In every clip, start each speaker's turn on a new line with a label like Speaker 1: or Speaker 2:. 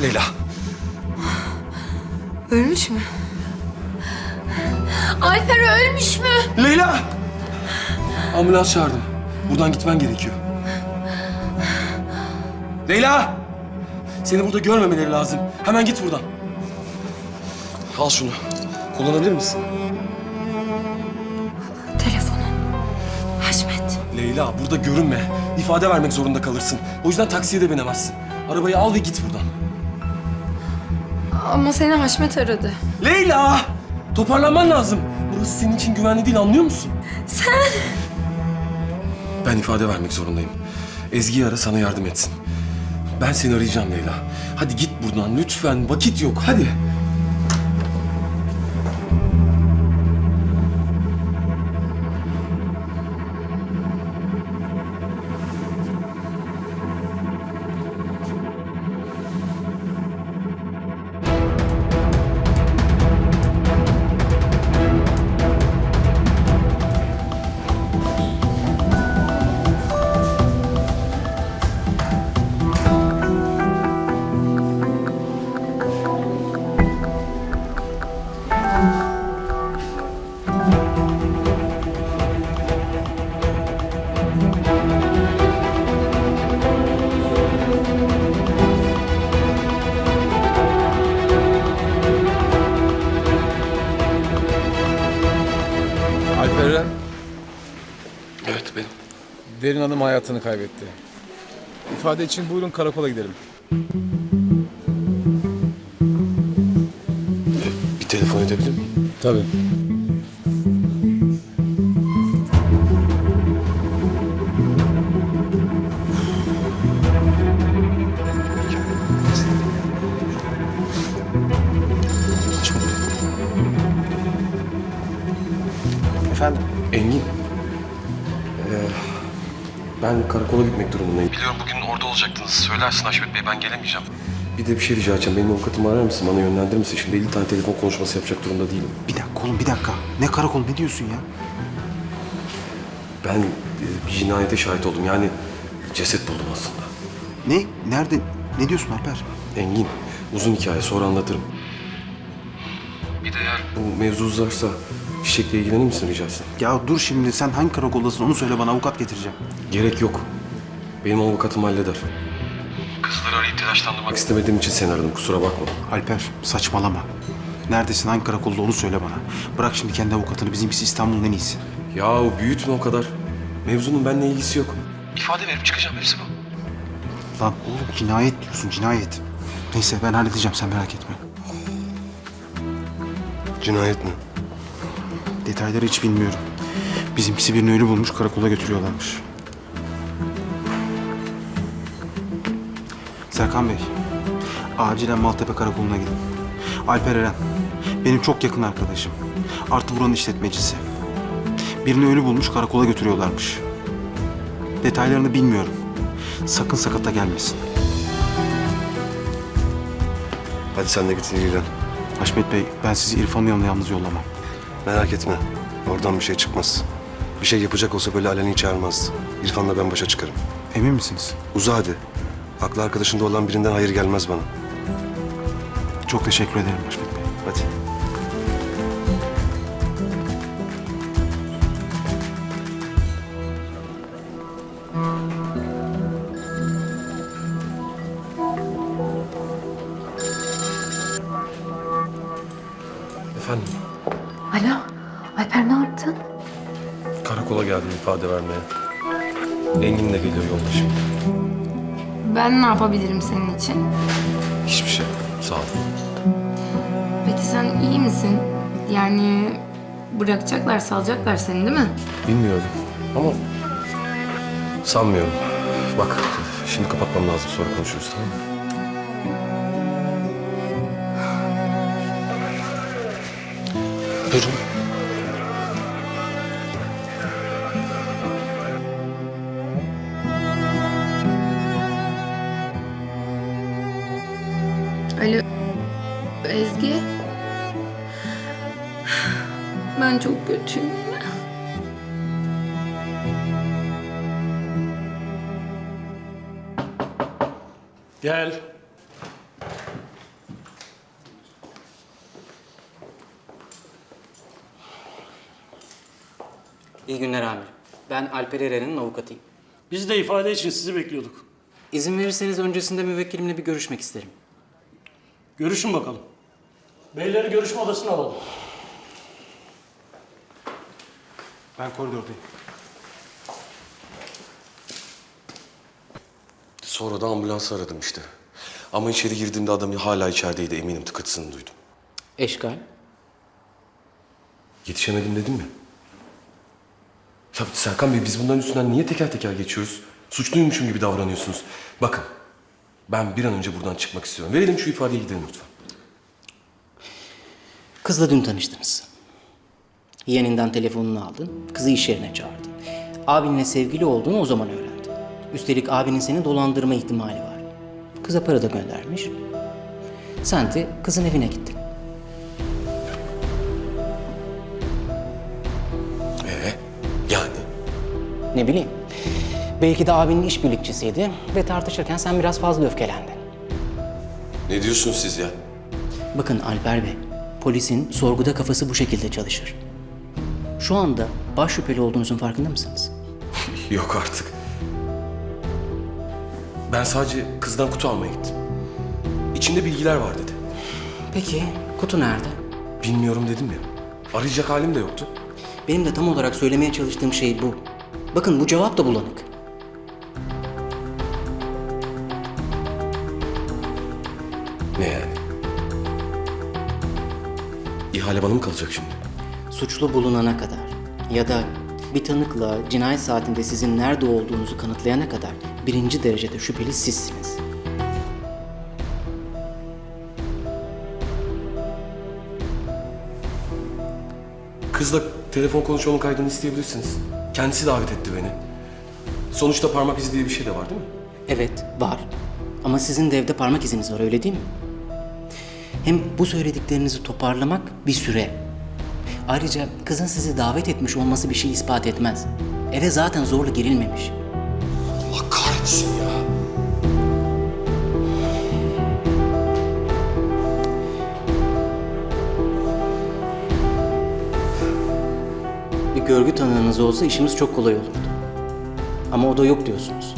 Speaker 1: Leyla.
Speaker 2: Ölmüş mü? Alper ölmüş mü?
Speaker 1: Leyla! Ambulans çağırdım. Buradan gitmen gerekiyor. Leyla! Seni burada görmemeleri lazım. Hemen git buradan. Al şunu. Kullanabilir misin?
Speaker 2: Telefonun. Haşmet.
Speaker 1: Leyla burada görünme. İfade vermek zorunda kalırsın. O yüzden taksiye de binemezsin. Arabayı al ve git buradan.
Speaker 2: Ama seni Haşmet aradı.
Speaker 1: Leyla! Toparlanman lazım. Burası senin için güvenli değil, anlıyor musun?
Speaker 2: Sen...
Speaker 1: Ben ifade vermek zorundayım. Ezgi'yi ara, sana yardım etsin. Ben seni arayacağım Leyla. Hadi git buradan lütfen. Vakit yok. Hadi.
Speaker 3: Alper Eren,
Speaker 1: Evet benim.
Speaker 3: Derin Hanım hayatını kaybetti. İfade için buyurun karakola gidelim.
Speaker 1: Bir telefon edebilir miyim?
Speaker 3: Tabii.
Speaker 4: Efendim?
Speaker 1: Engin. Ben karakola gitmek durumundayım. Biliyorum bugün orada olacaktınız. Söylersin Haşmet Bey, ben gelemeyeceğim. Bir de bir şey rica edeceğim. Benim avukatımı arar mısın? Bana yönlendirir misin? Şimdi 50 tane telefon konuşması yapacak durumda değilim.
Speaker 4: Bir dakika oğlum, bir dakika. Ne karakol, ne diyorsun ya?
Speaker 1: Ben bir cinayete şahit oldum. Yani ceset buldum aslında.
Speaker 4: Ne? Nerede? Ne diyorsun Alper?
Speaker 1: Engin, uzun hikaye, sonra anlatırım. Bir de eğer bu mevzu uzarsa Çiçek'le ilgilenir misin rica etsem?
Speaker 4: Ya dur şimdi, sen hangi karakoldasın onu söyle bana, avukat getireceğim.
Speaker 1: Gerek yok. Benim avukatım halleder. Kızları arayıp telaşlandırmak istemediğim için seni aradım. Kusura bakma.
Speaker 4: Alper saçmalama. Neredesin, hangi karakolda onu söyle bana. Bırak şimdi kendi avukatını, bizimkisi İstanbul'un en iyisi.
Speaker 1: Yahu büyütme o kadar. Mevzunun benimle ilgisi yok. İfade verip çıkacağım, hepsi bu.
Speaker 4: Lan oğlum, cinayet diyorsun, cinayet. Neyse ben halledeceğim, sen merak etme.
Speaker 1: Cinayet mi?
Speaker 4: Detayları hiç bilmiyorum. Bizimkisi birini ölü bulmuş, karakola götürüyorlarmış. Serkan Bey, acilen Maltepe Karakolu'na gidin. Alper Eren, benim çok yakın arkadaşım. Artı buranın işletmecisi. Birini ölü bulmuş, karakola götürüyorlarmış. Detaylarını bilmiyorum. Sakın sakata gelmesin.
Speaker 5: Hadi sen de git ilgilen.
Speaker 4: Haşmet Bey, ben sizi İrfan'ın yanına yalnız yollamam.
Speaker 5: Merak etme. Oradan bir şey çıkmaz. Bir şey yapacak olsa böyle aleni çağırmazdı. İrfan'la ben başa çıkarım.
Speaker 4: Emin misiniz?
Speaker 5: Uza hadi. Aklı arkadaşında olan birinden hayır gelmez bana.
Speaker 4: Çok teşekkür ederim Haşmet Bey.
Speaker 5: Hadi.
Speaker 1: Efendim,
Speaker 2: Alo, Alper ne yaptın?
Speaker 1: karakola geldim ifade vermeye. Engin de geliyor yolda şimdi.
Speaker 2: Ben ne yapabilirim senin için?
Speaker 1: Hiçbir şey. Sağ ol.
Speaker 2: Peki sen iyi misin? Yani bırakacaklar, salacaklar seni değil mi?
Speaker 1: Bilmiyorum ama sanmıyorum. Bak, şimdi kapatmam lazım. Sonra konuşuruz, tamam mı? Buyurun.
Speaker 2: Alo, Ezgi. Ben çok kötüyüm.
Speaker 1: Gel.
Speaker 6: İyi günler amirim. Ben Alper Eren'in avukatıyım.
Speaker 7: Biz de ifade için sizi bekliyorduk.
Speaker 6: İzin verirseniz öncesinde müvekkilimle bir görüşmek isterim.
Speaker 7: Görüşün bakalım. Beyleri görüşme odasına alalım.
Speaker 4: Ben koridordayım.
Speaker 1: Sonra da ambulansı aradım işte. Ama içeri girdiğimde adam hala içerideydi, eminim tıkırtısını duydum.
Speaker 6: Eşkal.
Speaker 1: Yetişemedim dedim mi? Ya Serkan Bey, biz bunların üstünden niye teker teker geçiyoruz? Suçluymuşum gibi davranıyorsunuz. Bakın, ben bir an önce buradan çıkmak istiyorum. Verelim şu ifadeyi, gidelim lütfen.
Speaker 6: Kızla dün tanıştınız. Yeğeninden telefonunu aldın, kızı iş yerine çağırdın. Abinle sevgili olduğunu o zaman öğrendin. Üstelik abinin seni dolandırma ihtimali var. Kıza para da göndermiş. Sen de kızın evine gittin.
Speaker 1: Yani?
Speaker 6: Ne bileyim. Belki de abinin işbirlikçisiydi ve tartışırken sen biraz fazla öfkelendin.
Speaker 1: Ne diyorsunuz siz ya?
Speaker 6: Bakın Alper Bey, polisin sorguda kafası bu şekilde çalışır. Şu anda baş şüpheli olduğunuzun farkında mısınız?
Speaker 1: Yok artık. Ben sadece kızdan kutu almaya gittim. İçinde bilgiler var dedi.
Speaker 6: Peki, kutu nerede?
Speaker 1: Bilmiyorum dedim ya. Arayacak halim de yoktu.
Speaker 6: Benim de tam olarak söylemeye çalıştığım şey bu. Bakın bu cevap da bulanık.
Speaker 1: Ne yani? İhale bana mı kalacak şimdi?
Speaker 6: Suçlu bulunana kadar ya da bir tanıkla cinayet saatinde sizin nerede olduğunuzu kanıtlayana kadar birinci derecede şüpheli sizsiniz.
Speaker 1: Kızla telefon konuşmanın kaydını isteyebilirsiniz. Kendisi davet etti beni. Sonuçta parmak izi diye bir şey de var değil mi?
Speaker 6: Evet, var. Ama sizin de evde parmak iziniz var, öyle değil mi? Hem bu söylediklerinizi toparlamak bir süre. Ayrıca kızın sizi davet etmiş olması bir şey ispat etmez. Eve zaten zorla girilmemiş.
Speaker 1: Allah kahretsin ya.
Speaker 6: Bir görgü tanığınız olsa işimiz çok kolay olurdu. Ama o da yok diyorsunuz.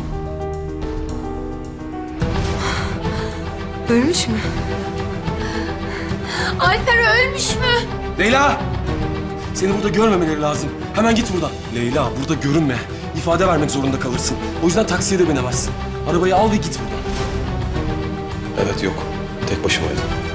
Speaker 2: Ölmüş mü? Alper ölmüş mü?
Speaker 1: Leyla! Seni burada görmemeleri lazım. Hemen git buradan. Leyla, burada görünme. İfade vermek zorunda kalırsın. O yüzden taksiye de binemezsin. Arabayı al ve git buradan. Evet, yok. Tek başımaydım.